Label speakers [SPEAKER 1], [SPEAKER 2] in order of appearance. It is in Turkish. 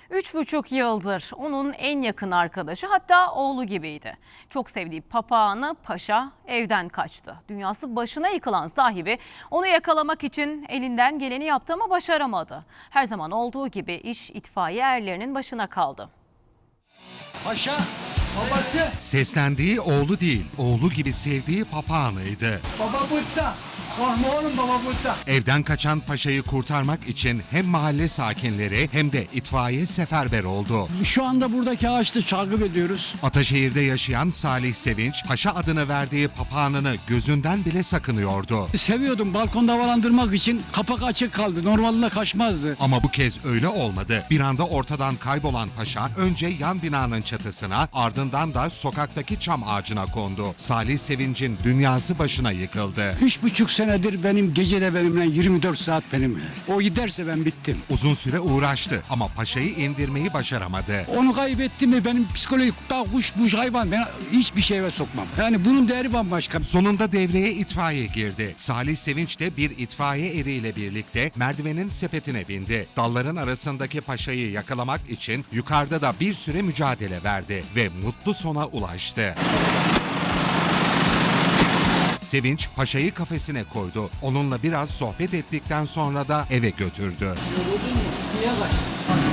[SPEAKER 1] 3,5 yıldır onun en yakın arkadaşı, hatta oğlu gibiydi. Çok sevdiği papağanı Paşa evden kaçtı. Dünyası başına yıkılan sahibi onu yakalamak için elinden geleni yaptı ama başaramadı. Her zaman olduğu gibi iş itfaiye erlerinin başına kaldı.
[SPEAKER 2] Paşa, babası.
[SPEAKER 3] Seslendiği oğlu değil, oğlu gibi sevdiği papağanıydı.
[SPEAKER 2] Baba burada. Korkma oğlum, baba burada.
[SPEAKER 3] Evden kaçan Paşa'yı kurtarmak için hem mahalle sakinleri hem de itfaiye seferber oldu.
[SPEAKER 4] Şu anda buradaki ağaçta takip ediyoruz.
[SPEAKER 3] Ataşehir'de yaşayan Salih Sevinç, Paşa adını verdiği papağanını gözünden bile sakınıyordu.
[SPEAKER 4] Seviyordum, balkonda havalandırmak için kapak açık kaldı. Normalde kaçmazdı.
[SPEAKER 3] Ama bu kez öyle olmadı. Bir anda ortadan kaybolan Paşa önce yan binanın çatısına, ardından da sokaktaki çam ağacına kondu. Salih Sevinç'in dünyası başına yıkıldı.
[SPEAKER 4] 3,5 senedir benim gecede benimle 24 saat benimle. O giderse ben bittim.
[SPEAKER 3] Uzun süre uğraştı ama Paşa'yı indirmeyi başaramadı.
[SPEAKER 4] Onu kaybettim mi benim psikolojik daha kuş hayvan ben hiçbir şeye sokmam. Yani bunun değeri bambaşka.
[SPEAKER 3] Sonunda devreye itfaiye girdi. Salih Sevinç de bir itfaiye eriyle birlikte merdivenin sepetine bindi. Dalların arasındaki Paşa'yı yakalamak için yukarıda da bir süre mücadele verdi ve mutlu sona ulaştı. Sevinç Paşa'yı kafesine koydu. Onunla biraz sohbet ettikten sonra da eve götürdü.
[SPEAKER 2] Niye kaçtın?